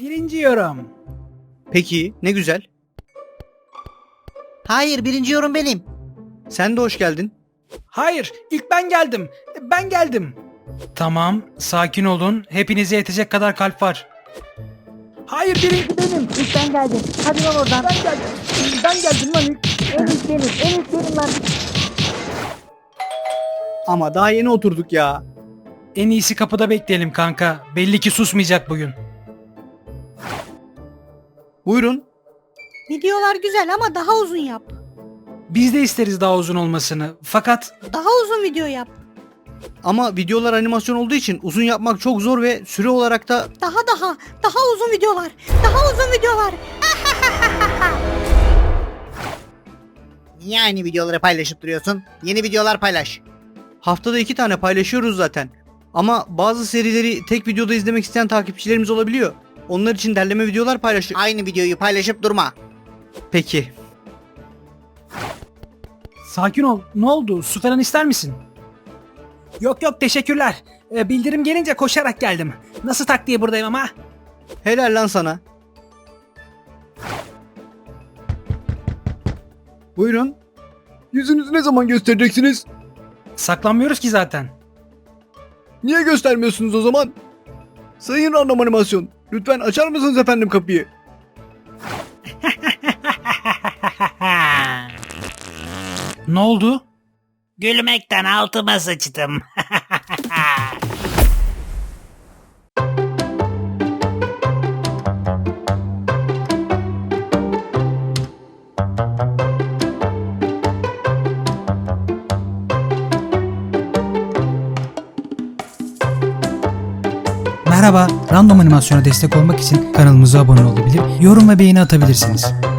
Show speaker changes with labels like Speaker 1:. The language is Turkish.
Speaker 1: Birinci yorum.
Speaker 2: Peki, ne güzel.
Speaker 3: Hayır, birinci yorum benim.
Speaker 2: Sen de hoş geldin.
Speaker 1: Hayır, ilk ben geldim. Ben geldim. Tamam, sakin olun. Hepinize yetecek kadar kalp var. Hayır, birinci benim.
Speaker 3: İlk ben geldim. Hadi lan oradan.
Speaker 1: Ben geldim. Ben geldim lan ilk.
Speaker 3: En ilk benim. En ilk benim lan.
Speaker 2: Ama daha yeni oturduk ya.
Speaker 1: En iyisi kapıda bekleyelim kanka. Belli ki susmayacak bugün.
Speaker 2: Buyurun.
Speaker 4: Videolar güzel ama daha uzun yap.
Speaker 1: Biz de isteriz daha uzun olmasını. Fakat
Speaker 4: Daha uzun video yap.
Speaker 2: Ama videolar animasyon olduğu için uzun yapmak çok zor ve süre olarak da
Speaker 4: Daha uzun videolar. Daha uzun videolar.
Speaker 3: Niye aynı videoları paylaşıp duruyorsun? Yeni videolar paylaş.
Speaker 2: haftada 2 tane paylaşıyoruz zaten. Ama bazı serileri tek videoda izlemek isteyen takipçilerimiz olabiliyor. Onlar için derleme videolar paylaşıyor.
Speaker 3: Aynı videoyu paylaşıp durma.
Speaker 2: Peki.
Speaker 1: sakin ol. Ne oldu? Su falan ister misin? Yok yok teşekkürler. Bildirim gelince koşarak geldim. Nasıl tak diye buradayım ama.
Speaker 2: Helal lan sana. Buyurun. Yüzünüzü ne zaman göstereceksiniz?
Speaker 1: Saklanmıyoruz ki zaten.
Speaker 2: Niye göstermiyorsunuz o zaman? Sayın Random Animasyon, lütfen açar mısınız efendim kapıyı?
Speaker 1: Ne oldu?
Speaker 5: Gülmekten altıma sıçtım.
Speaker 6: Merhaba, Random Animasyon'a destek olmak için kanalımıza abone olabilir, yorum ve beğeni atabilirsiniz.